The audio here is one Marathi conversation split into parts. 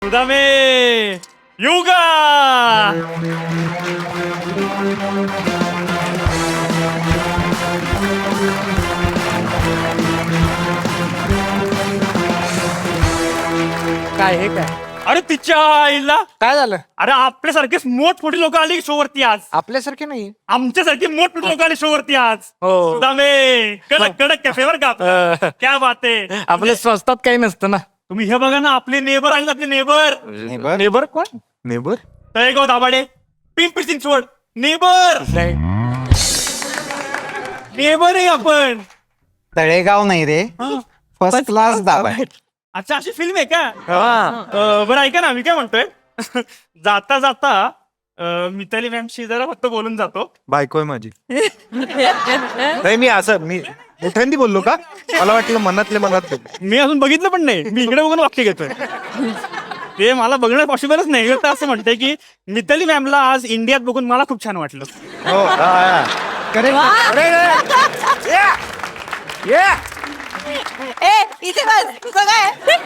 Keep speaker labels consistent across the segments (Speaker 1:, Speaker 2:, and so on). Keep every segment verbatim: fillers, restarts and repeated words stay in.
Speaker 1: सुदामे योगा
Speaker 2: काय हे काय
Speaker 1: अरे तिच्या आईला
Speaker 2: काय झालं?
Speaker 1: अरे आपल्यासारखेच मोठमोठी लोक आली शो वरती आज.
Speaker 2: आपल्यासारखे नाही.
Speaker 1: आमच्यासारखी मोठमोठी लोक आली शो वरती आज.
Speaker 2: हो.
Speaker 1: सुदामे कडक कडक कॅफे वर का आपला. क्या बात आहे.
Speaker 2: आपल्या स्वस्तात काही नसतं ना.
Speaker 1: तुम्ही हे बघा ना आपले नेबर आहेत आपले नेबर.
Speaker 2: नेबर नेबर कोण? नेबर
Speaker 1: तळेगाव दाभाडे पिंपरी चिंचवड नेबर
Speaker 2: नाही.
Speaker 1: नेबर आहे आपण.
Speaker 3: तळेगाव नाही रे, फर्स्ट क्लास दाबा.
Speaker 1: अच्छा अशी फिल्म आहे का? अं, बरं ऐका ना मी काय म्हणतोय जाता जाता अं, मिताली मॅमशी जरा फक्त बोलून जातो.
Speaker 4: बायको आहे माझी. नाही मी असं मी मोठ्यांदी बोललो का? मला वाटलं मनातले मनात बोललो.
Speaker 1: मी अजून बघितलं पण नाही. मी इकडे बघून वाक्य घेतोय. ते मला बघणं पॉसिबलच नाही. मी तर असं म्हणतंय की मिताली मॅमला आज इंडियात बघून मला खूप छान वाटलं.
Speaker 4: हो हा, हा.
Speaker 5: ए इथे बस तुझं काय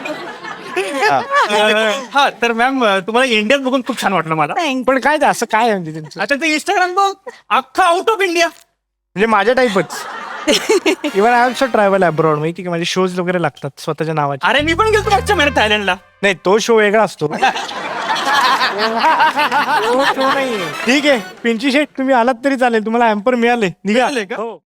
Speaker 1: अं, हा तर मॅम तुम्हाला इंडियात बघून खूप छान वाटलं मला.
Speaker 2: पण काय ते असं काय आहे म्हणजे त्यांचं?
Speaker 1: अच्छा ते इंस्टाग्राम बघ अख्खा आउट ऑफ इंडिया.
Speaker 2: म्हणजे माझ्या टाईपच. Even I also travel abroad. माहिती की माझे शोज वगैरे लागतात स्वतःच्या नावाचे.
Speaker 1: अरे मी पण गेलो मागच्या महिन्यात थायलंडला.
Speaker 2: नाही तो शो वेगळा असतो. तो show नाहीये. ठीक आहे पिंची शेट तुम्ही आलात तरी चालेल. तुम्हाला एम्पर मिळाले. निघा.
Speaker 1: मिळाले का?
Speaker 2: हो.